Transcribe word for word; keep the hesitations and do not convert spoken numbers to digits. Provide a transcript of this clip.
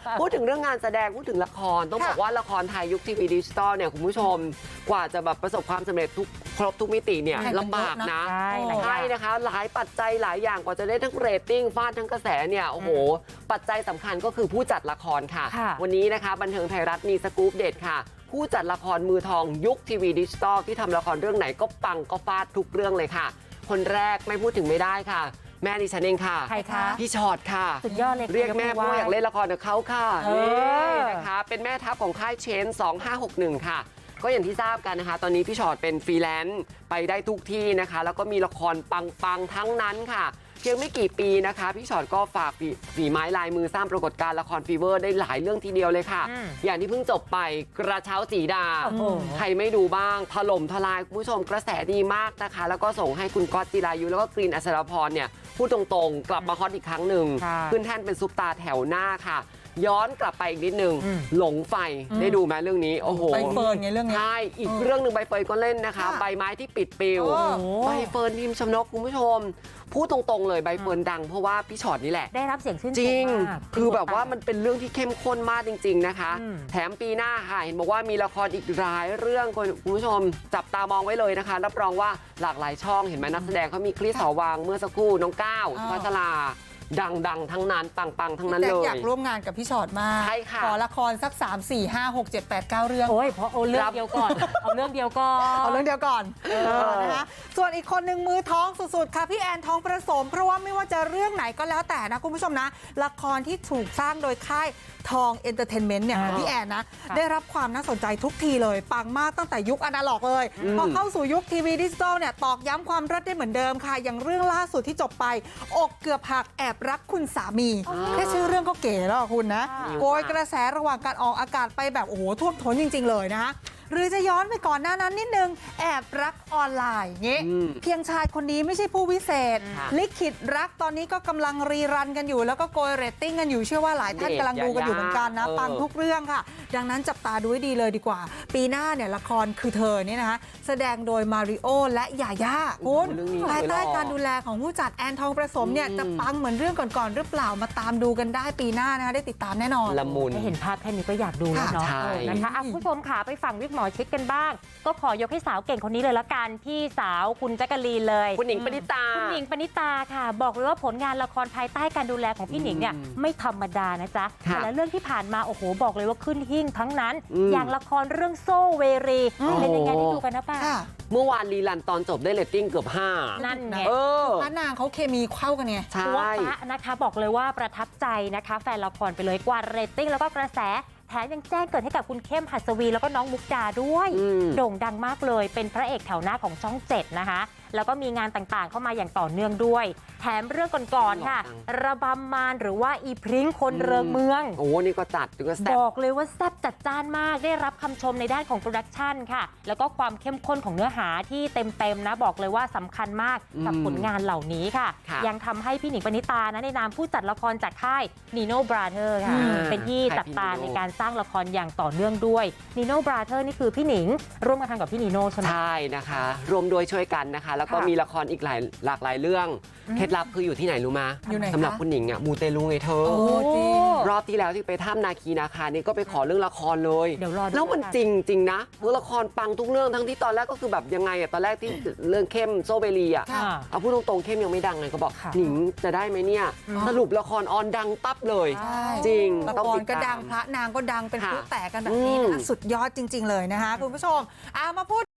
พูดถึงเรื่องงานแสดงพูดถึงละครต้องบอกว่าละครไทยยุคทีวีดิจิตอลเนี่ยคุณผู้ชมกว่าจะแบบประสบความสำเร็จทุกครบทุกมิติเนี่ยลำบากนะใช่นะคะหลายปัจจัยหลายอย่างกว่าจะได้ทั้งเรตติ้งฟาดทั้งกระแสเนี่ยโอ้โหปัจจัยสำคัญก็คือผู้จัดละครค่ะวันนี้นะคะบันเทิงไทยรัฐมีสกู๊ปเด็ดค่ะผู้จัดละครมือทองยุคทีวีดิจิตอลที่ทำละครเรื่องไหนก็ปังก็ฟาดทุกเรื่องเลยค่ะคนแรกไม่พูดถึงไม่ได้ค่ะแม่ดิฉันเองค่ะใครคะพี่ชอตค่ะสุดยอดเลยเรียกแม่เพราะอยากเล่นละครกับเขาค่ะนี่นะคะเป็นแม่ทัพของค่ายเชนสองห้าหกหนึ่งค่ะก็อย่างที่ทราบกันนะคะตอนนี้พี่ชอตเป็นฟรีแลนซ์ไปได้ทุกที่นะคะแล้วก็มีละครปังๆทั้งนั้นค่ะเพียงไม่กี่ปีนะคะพี่ชอตก็ฝากฝีไม้ลายมือสร้างปรากฏการณ์ละครฟีเวอร์ได้หลายเรื่องทีเดียวเลยค่ะอย่างที่เพิ่งจบไปกระเช้าสีดาใครไม่ดูบ้างถล่มทลายคุณผู้ชมกระแสดีมากนะคะแล้วก็ส่งให้คุณก๊อตจิรายุแล้วก็กรีนอัศรพรเนี่ยพูดตรงๆกลับมาฮอตอีกครั้งหนึ่งขึ้นแท่นเป็นซุปตาแถวหน้าค่ะย้อนกลับไปอีกนิดนึงหลงไฟได้ดูไหมเรื่องนี้โอ้โหใบเฟิร์นไงเรื่องนี้ใช่อีกเรื่องหนึ่งใบเฟิร์นก็เล่นนะคะใบไม้ที่ปิดปิวใบเฟิร์นพิมพ์ชนกคุณผู้ชมพูดตรงๆเลยใบเฟิร์นดังเพราะว่าพี่ชอตนี่แหละได้รับเสียงชื่นชมจริงคือแบบว่ามันเป็นเรื่องที่เข้มข้นมากจริงๆนะคะแถมปีหน้าค่ะเห็นบอกว่ามีละครอีกหลายเรื่องคุณผู้ชมจับตามองไว้เลยนะคะรับรองว่าหลากหลายช่องเห็นไหมนักแสดงเขามีคริสหอวังเมื่อสักครู่น้องก้าวพัชราดังๆทั้งนั้นปังๆทั้งนั้นเลยอยากร่วมงานกับพี่ชอตมากใช่ค่ะขอละครสักสาม สี่ ห้า หก เจ็ด แปด เก้าเรื่องโอ้ยเพราะเอาเรื่องเดียวก่อนเอาเรื่องเดียวก่อนเอาเรื่องเดียวก่อนนะคะส่วนอีกคนหนึ่งมือท้องสุดๆค่ะพี่แอนทองประสมเพราะว่าไม่ว่าจะเรื่องไหนก็แล้วแต่นะคุณผู้ชมนะละครที่ถูกสร้างโดยค่ายทองเอนเตอร์เทนเมนต์เนี่ยพี่แอนนะได้รับความน่าสนใจทุกทีเลยปังมากตั้งแต่ยุคอนาล็อกเลยพอเข้าสู่ยุคทีวีดิจิตอลเนี่ยตอกย้ำความรักได้เหมือนเดิมค่ะอย่างเรื่องล่าสุดที่จบไปอกเกือบหักแอบรักคุณสามีแค่ชื่อเรื่องก็เก๋แล้วคุณนะโกยกระแสระหว่างการออกอากาศไปแบบโอ้โหท่วมท้นจริงๆเลยนะคะหรือจะย้อนไปก่อนหน้านั้นนิดนึงแอบรักออนไลน์เงี้ยเพียงชายคนนี้ไม่ใช่ผู้วิเศษลิขิตรักตอนนี้ก็กำลังรีรันกันอยู่แล้วก็โกยเรตติ้งกันอยู่เชื่อว่าหลายท่านกำลังดูกันอยู่เหมือนกันนะปังทุกเรื่องค่ะดังนั้นจับตาดูให้ดีเลยดีกว่าปีหน้าเนี่ยละครคือเธอเนี่ยนะคะแสดงโดยมาริโอและยาย่าคุณภายใต้การดูแลของผู้จัดแอนทองประสมเนี่ยจะปังเหมือนเรื่องก่อนๆหรือเปล่ามาตามดูกันได้ปีหน้านะคะได้ติดตามแน่นอนละมุนเห็นภาพแค่นี้ก็อยากดูแล้วเนาะนะคะคุณผู้ชมค่ะไปฟังวิกหมอชิดกันบ้างก็ขอยกให้สาวเก่งคนนี้เลยละกันพี่สาวคุณแจ๊กกะลีนเลยคุณหนิงปณิตาคุณหนิงปณิตาค่ะบอกเลยว่าผลงานละครภายใต้การดูแลของพี่หนิงเนี่ยไม่ธรรมดานะจ๊ะแต่ละเรื่องที่ผ่านมาโอ้โหบอกเลยว่าขึ้นหิ่งทั้งนั้นอย่างละครเรื่องโซเวรีเป็นยังไงได้ดูกันนะป้าเมื่อวานรีลันตอนจบได้เรตติ้งเกือบห้านั่นไงพระนางเขาเคมีเข้ากันไงใช่ตัวป้านะคะบอกเลยว่าประทับใจนะคะแฟนละครไปเลยกว่าเรตติ้งแล้วก็กระแสแถมยังแจ้งเกิดให้กับคุณเข้มหัสวีแล้วก็น้องมุกดาด้วยโด่งดังมากเลยเป็นพระเอกแถวหน้าของช่องเจ็ดนะคะแล้วก็มีงานต่างๆเข้ามาอย่างต่อเนื่องด้วยแถมเรื่องก่อนๆค่ะระบำมารหรือว่าอีพริ้งคนเริงเมืองโอ้นี่ก็จัดก็แซ่บบอกเลยว่าแซ่บจัดจ้านมากได้รับคำชมในด้านของโปรดักชันค่ะแล้วก็ความเข้มข้นของเนื้อหาที่เต็มๆนะบอกเลยว่าสำคัญมากกับผลงานเหล่านี้ค่ะยังทำให้พี่หนิงปณิตานะในนามผู้จัดละครจากค่ายนีโน่บราเธอร์ค่ะเป็นที่จับตาในการสร้างละครอย่างต่อเนื่องด้วยนีโน่บราเธอร์นี่คือพี่หนิงร่วมกันทำกับพี่นีโน่ใช่ไหมใช่นะคะรวมโดยช่วยกันนะคะแล้วก็มีละครอีกหลายหลากหลายเรื่องเคล็ดลับคืออยู่ที่ไหนรู้มาสำหรับคุณหนิงอ่ะมูเตลูไงเธอรอบที่แล้วที่ไปถ้ำนาคีนาคานี่ก็ไปขอเรื่องละครเลยแล้วมันจริงจริงนะเมื่อละครปังทุกเรื่องทั้งที่ตอนแรกก็คือแบบยังไงอ่ะตอนแรกที่เรื่องเข้มโซเบรีอ่ะเอาพูดตรงๆเข้มยังไม่ดังเลยก็บอกหนิงจะได้ไหมเนี่ยสรุปละครออนดังปั๊บเลยจริงละครก็ดังพระนางก็ดังเป็นผู้แตกกันแบบนี้นะคะสุดยอดจริงๆเลยนะคะคุณผู้ชมเอามาพูด